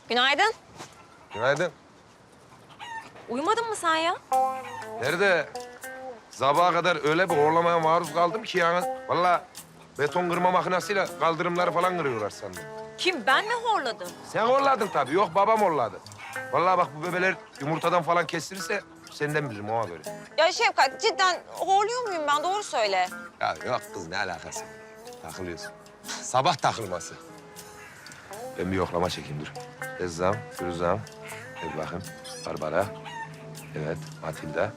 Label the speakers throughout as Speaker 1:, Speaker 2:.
Speaker 1: Günaydın.
Speaker 2: Günaydın.
Speaker 1: Uyumadın mı sen ya?
Speaker 2: Nerede? Sabaha kadar öyle bir horlamaya maruz kaldım ki yani. Vallahi beton kırma makinesiyle kaldırımları falan kırıyorlar sandım.
Speaker 1: Kim, ben mi horladım?
Speaker 2: Sen horladın tabii. Yok, babam horladı. Vallahi bak, bu bebeler yumurtadan falan kestirirse senden bilirim ona göre.
Speaker 1: Ya Şefkat, cidden horluyor muyum ben? Doğru söyle.
Speaker 2: Ya yok kız, ne alakası? Takılıyorsun. Sabah takılması. Ben bir yoklama çekeyim, dur. Ezzam, Firuzam. Hadi bakayım. Barbara. Evet, Matilda.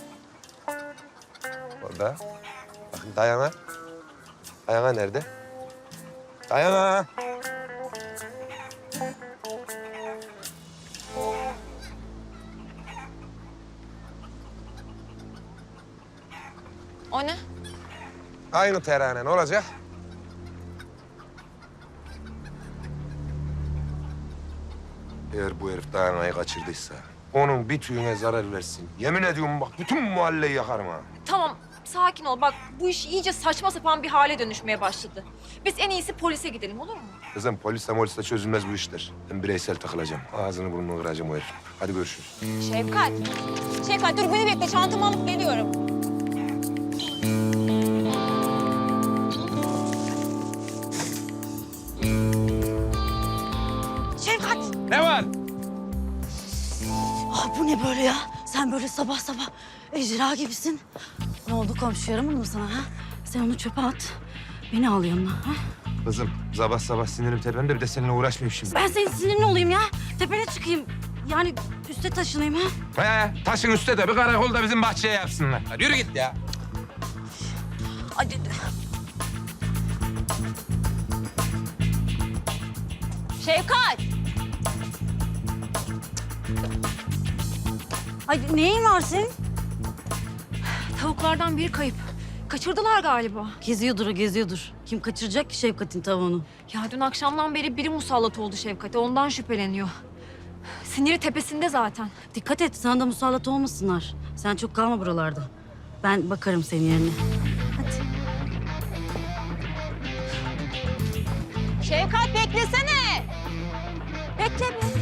Speaker 2: Orada. Bakın Dayana. Dayana nerede? Dayana.
Speaker 1: O ne?
Speaker 2: Aynı terane, ne olacak? Eğer bu herif Dayana'yı kaçırdıysa, onun bir tüyüne zarar versin. Yemin ediyorum bak, bütün mahalleyi yakarım ha.
Speaker 1: Tamam, sakin ol. Bak, bu iş iyice saçma sapan bir hale dönüşmeye başladı. Biz en iyisi polise gidelim, olur mu?
Speaker 2: Kızım, polisle çözülmez bu işler. Ben bireysel takılacağım. Ağzını burnunu kıracağım o herif. Hadi görüşürüz.
Speaker 1: Şefkat. Şefkat, dur beni bekle. Çantamı alıp geliyorum. Şefkat.
Speaker 2: Ne var?
Speaker 3: Ah, bu ne böyle ya? Sen böyle sabah sabah ejderha gibisin. Ne oldu, komşu yaramadı mı sana ha? Sen onu çöpe at. Beni al yanına ha?
Speaker 2: Kızım, sabah sabah sinirim tepemde, bir de seninle uğraşmayayım şimdi.
Speaker 3: Ben senin sinirli olayım ya. Tepene çıkayım. Yani üste taşınayım ha?
Speaker 2: Taşın üstte de bir karakol da bizim bahçeye yapsınlar. Hadi yürü git ya.
Speaker 3: Hadi.
Speaker 1: Şefkat.
Speaker 3: Ay, neyin var senin?
Speaker 1: Tavuklardan biri kayıp. Kaçırdılar galiba.
Speaker 3: Geziyordur o, geziyordur. Kim kaçıracak ki Şefkat'in tavuğunu?
Speaker 1: Ya dün akşamdan beri biri musallat oldu Şefkat'e. Ondan şüpheleniyor. Siniri tepesinde zaten.
Speaker 3: Dikkat et, sana da musallat olmasınlar. Sen çok kalma buralarda. Ben bakarım senin yerine. Hadi.
Speaker 1: Şefkat beklesene. Bekle bir.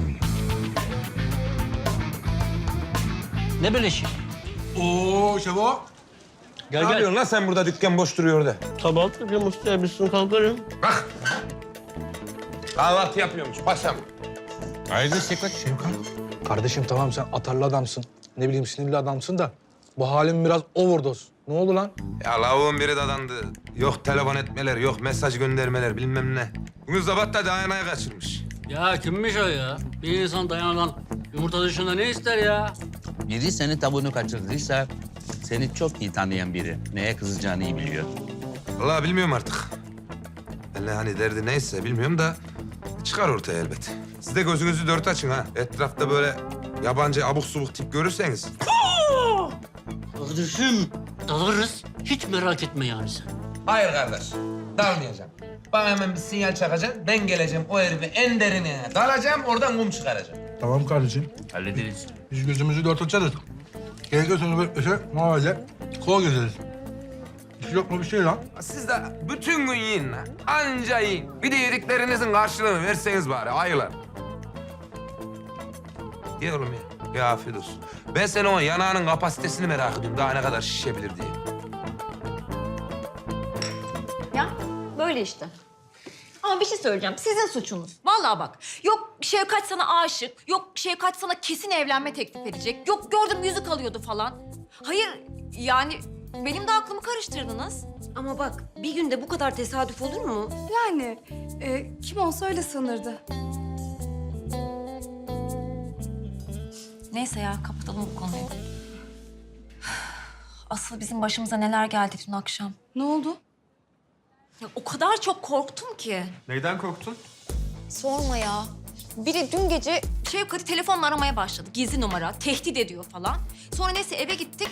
Speaker 4: Ne böyle şey?
Speaker 2: Oo Şevo.
Speaker 4: Gel
Speaker 2: Ne
Speaker 4: gel.
Speaker 2: yapıyorsun lan sen burada, dükkan boş duruyor orada?
Speaker 4: Kahvaltı yapıyorum usta, bitsin kalkarım.
Speaker 2: Bak. Kahvaltı yapıyormuş paşam. Hayırdır Şevkat?
Speaker 5: Kardeşim tamam, sen atarlı adamsın. Ne bileyim, sinirli adamsın da bu halin biraz overdose. Ne oldu lan?
Speaker 2: Ya lavuğun biri dadandı. Yok telefon etmeler, yok mesaj göndermeler, bilmem ne. Bugün sabah da Dayana'yı kaçırmış.
Speaker 4: Ya kimmiş o ya? Bir insan Dayana'dan yumurta dışında ne ister ya?
Speaker 6: Biri senin tavuğunu kaçırdıysa seni çok iyi tanıyan biri. Neye kızacağını iyi biliyor.
Speaker 2: Vallahi bilmiyorum artık. Yani hani derdi neyse bilmiyorum da çıkar ortaya elbet. Siz de gözünüzü dört açın ha. Etrafta böyle yabancı abuk subuk tip görürseniz.
Speaker 4: Kardeşim dalarız. Hiç merak etme yani sen.
Speaker 7: Hayır kardeş, dalmayacağım. Bana hemen bir sinyal çakacaksın, ben geleceğim o herifi en derine dalacağım, oradan kum çıkaracağım.
Speaker 5: Tamam kardeşim.
Speaker 6: Hallederiz.
Speaker 5: Biz gözümüzü dört açarız. Gerekirse onu beklese mahalle kol gezeriz. Hiç yok mu bir şey lan?
Speaker 2: Siz de bütün gün yiyin lan. Anca yiyin. Bir de yediklerinizin karşılığını verseniz bari ayılar. Ye oğlum ya. Ya afiyet olsun. Ben senin o yanağının kapasitesini merak ediyorum. Daha ne kadar şişebilir diye.
Speaker 1: Ya böyle işte. Ama bir şey söyleyeceğim. Sizin suçunuz. Vallahi bak. Yok Şevkat sana aşık. Yok Şevkat sana kesin evlenme teklif edecek. Yok gördüm yüzük alıyordu falan. Hayır yani benim de aklımı karıştırdınız.
Speaker 8: Ama bak bir günde bu kadar tesadüf olur mu?
Speaker 9: Yani kim olsa öyle sanırdı.
Speaker 1: Neyse ya kapatalım bu konuyu. Asıl bizim başımıza neler geldi dün akşam.
Speaker 9: Ne oldu?
Speaker 1: Ya, o kadar çok korktum ki.
Speaker 2: Neyden korktun?
Speaker 1: Sorma ya. Biri dün gece Şevkat'i telefonla aramaya başladı. Gizli numara, tehdit ediyor falan. Sonra neyse eve gittik.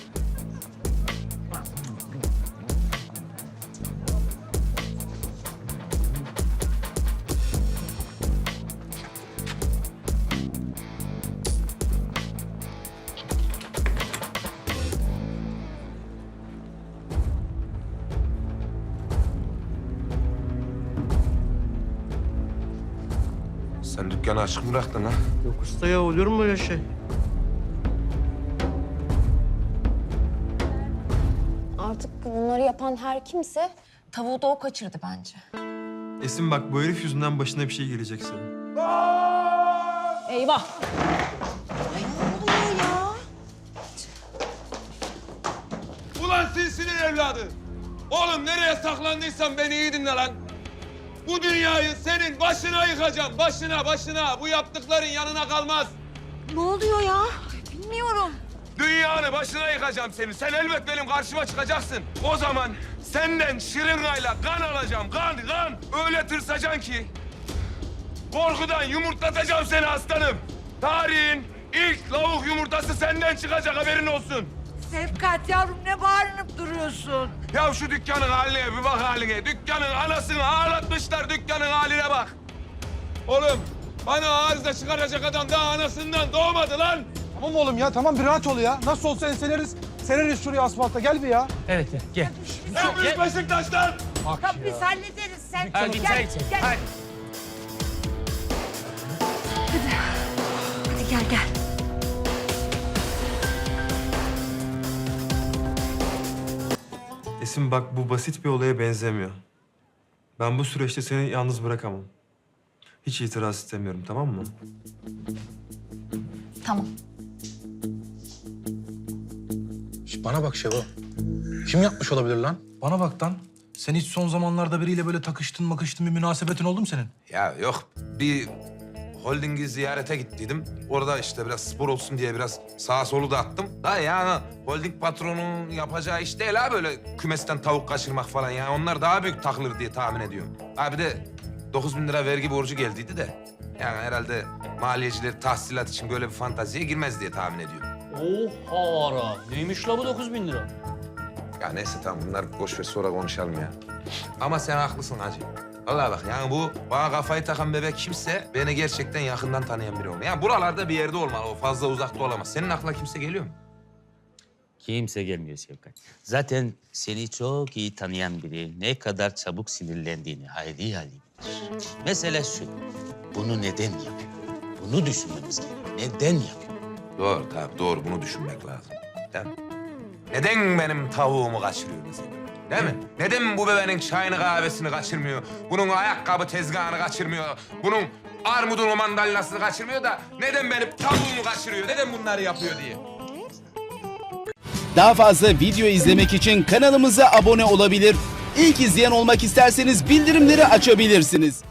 Speaker 2: Sen dükkanı açık mı bıraktın ha?
Speaker 10: Yok usta ya, olur mu öyle şey?
Speaker 8: Artık bunları yapan her kimse
Speaker 1: Tavuğu da o kaçırdı bence.
Speaker 10: Esin bak, bu herif yüzünden başına bir şey gelecek senin.
Speaker 1: Eyvah.
Speaker 2: Ulan silsinin evladı! Oğlum nereye saklandıysan beni iyi dinle lan! Bu dünyayı senin başına yıkacağım, başına! Bu yaptıkların yanına kalmaz!
Speaker 1: Ne oluyor ya? Bilmiyorum.
Speaker 2: Dünyanı başına yıkacağım senin. Sen elbet benim karşıma çıkacaksın. O zaman senden şırıngayla kan alacağım, kan! Öyle tırsacaksın ki korkudan yumurtlatacağım seni aslanım. Tarihin ilk lavuk yumurtası senden çıkacak, haberin olsun.
Speaker 11: Sevkat yavrum, ne bağırınıp duruyorsun?
Speaker 2: Ya şu dükkanın haline bir bak haline. Dükkanın anasını ağlatmışlar, dükkanın haline bak. Oğlum bana arıza çıkaracak adam daha anasından doğmadı lan.
Speaker 5: Tamam oğlum ya, tamam bir rahat ol ya. Nasıl olsa enseleriz. Sereriz şuraya asfalta. Gel bir ya.
Speaker 2: En büyük Beşiktaş'tan.
Speaker 11: Tamam, biz hallederiz. Sen gel.
Speaker 9: Hadi gel.
Speaker 10: Esin bak, bu basit bir olaya benzemiyor. Ben bu süreçte seni yalnız bırakamam. Hiç itiraz istemiyorum, tamam mı?
Speaker 1: Tamam.
Speaker 5: Bana bak Şevo. Kim yapmış olabilir lan? Bana bak lan. Sen hiç son zamanlarda biriyle böyle takıştın bir münasebetin oldu mu senin?
Speaker 2: Ya yok, bir holdingi ziyarete gittiydim. Orada işte biraz spor olsun diye biraz sağa solu da attım. Da yani holding patronunun yapacağı iş değil ha, böyle kümesten tavuk kaçırmak falan ya. Onlar daha büyük takılır diye tahmin ediyorum. Ha bir de 9.000 lira vergi borcu geldiydi de. Yani herhalde maliyeciler tahsilat için böyle bir fantaziye girmez diye tahmin ediyorum.
Speaker 4: Oha! Neymiş la bu 9.000 lira?
Speaker 2: Ya neyse tamam, bunlar boş ver, sonra konuşalım ya. Ama sen haklısın hacı. Vallahi bak yani bu bana kafayı takan bebek kimse beni gerçekten yakından tanıyan biri olmalı. Yani buralarda bir yerde olmalı, o fazla uzakta olamaz. Senin aklına kimse geliyor mu?
Speaker 6: Kimse gelmiyor Şefkat. Zaten seni çok iyi tanıyan biri ne kadar çabuk sinirlendiğini hayli bilir. Mesele şu, bunu neden yapıyor? Bunu düşünmemiz gerekiyor. Neden yapıyor?
Speaker 2: Doğru tabii, doğru, bunu düşünmek lazım. Değil mi? Neden benim tavuğumu kaçırıyor mesela? Değil mi? Neden bu bebeğin çayını kahvesini kaçırmıyor? Bunun ayakkabı tezgahını kaçırmıyor? Bunun armudunu mandalinasını kaçırmıyor da neden benim tavuğumu kaçırıyor? Neden bunları yapıyor diye.
Speaker 12: Daha fazla video izlemek için kanalımıza abone olabilir. İlk izleyen olmak isterseniz bildirimleri açabilirsiniz.